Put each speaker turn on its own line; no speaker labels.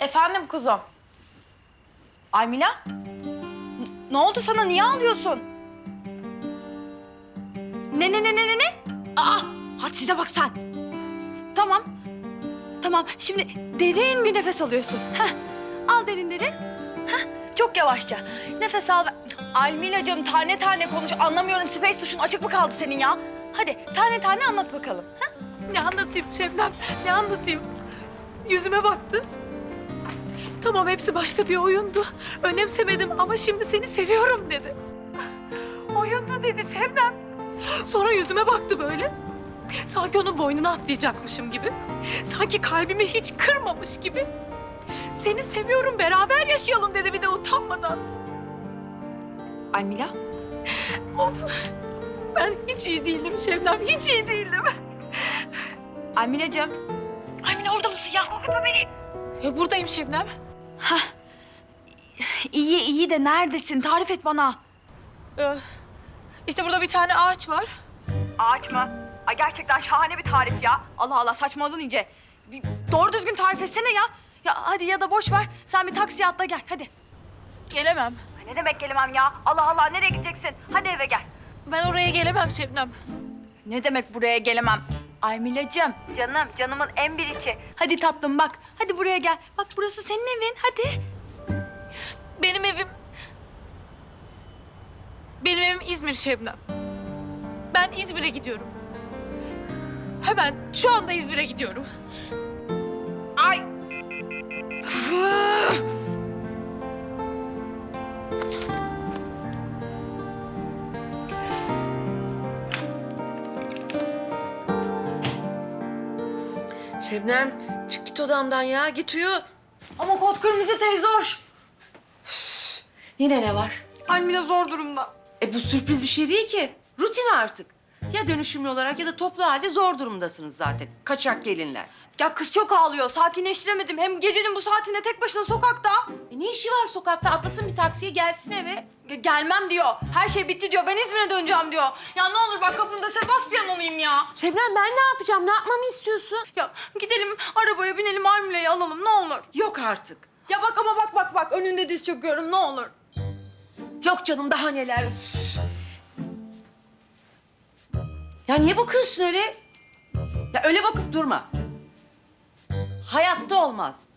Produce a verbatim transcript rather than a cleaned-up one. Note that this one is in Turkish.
Efendim kuzum. Aymila? N- Ne oldu sana? Niye ağlıyorsun? Ne ne ne ne ne ne? Aa! Hadi size bak sen. Tamam. Tamam. Şimdi derin bir nefes alıyorsun. Heh. Al derin derin. Heh. Çok yavaşça. Nefes al. ver- Almilacığım tane tane konuş. Anlamıyorum. Space tuşun açık mı kaldı senin ya? Hadi tane tane anlat bakalım. Heh.
Ne anlatayım Şebnem, ne anlatayım? Yüzüme baktı. Tamam hepsi başta bir oyundu. Önemsemedim ama şimdi seni seviyorum dedi. Oyundu dedi Şebnem. Sonra yüzüme baktı böyle. Sanki onun boynuna atlayacakmışım gibi. Sanki kalbimi hiç kırmamış gibi. Seni seviyorum, beraber yaşayalım dedi bir de utanmadan.
Almila?
Of, ben hiç iyi değilim Şebnem, hiç iyi değilim.
Almilacığım. Almila orada mısın ya? Korkutma beni.
Ya buradayım Şebnem.
Hah. İyi iyi de neredesin? Tarif et bana.
Ee, işte burada bir tane ağaç var.
Ağaç mı? Ay gerçekten şahane bir tarif ya. Allah Allah saçmaladın iyice. Bir doğru düzgün tarif etsene ya. Ya hadi ya da boş ver. Sen bir taksiye atla gel hadi.
Gelemem.
Ay ne demek gelemem ya? Allah Allah nereye gideceksin? Hadi eve gel.
Ben oraya gelemem Şebnem.
Ne demek buraya gelemem? Aymilacığım. Canım, canımın en biricik. Hadi tatlım bak. Hadi buraya gel. Bak burası senin evin. Hadi.
Benim evim... Benim evim İzmir Şebnem. Ben İzmir'e gidiyorum. Hemen şu anda İzmir'e gidiyorum.
Ay.
Şebnem, çık git odamdan ya. Git uyu.
Ama kod kırmızı teyze hoş.
Yine ne var?
Almila zor durumda.
E bu sürpriz bir şey değil ki. Rutin artık. Ya dönüşümlü olarak ya da toplu halde zor durumdasınız zaten. Kaçak gelinler.
Ya kız çok ağlıyor. Sakinleştiremedim. Hem gecenin bu saatinde tek başına sokakta.
E ne işi var sokakta? Atlasın bir taksiye gelsin eve.
Ge- Gelmem diyor. Her şey bitti diyor. Ben İzmir'e döneceğim diyor. Ya ne olur bak kapında Sebastian olayım ya.
Şebnem ben ne yapacağım? Ne yapmamı istiyorsun?
Ya gidelim arabaya binelim Almila'yı alalım ne olur.
Yok artık.
Ya bak ama bak bak bak önünde diz çöküyorum ne olur.
Yok canım daha neler. Ya niye bakıyorsun öyle? Ya öyle bakıp durma. Hayatta olmaz.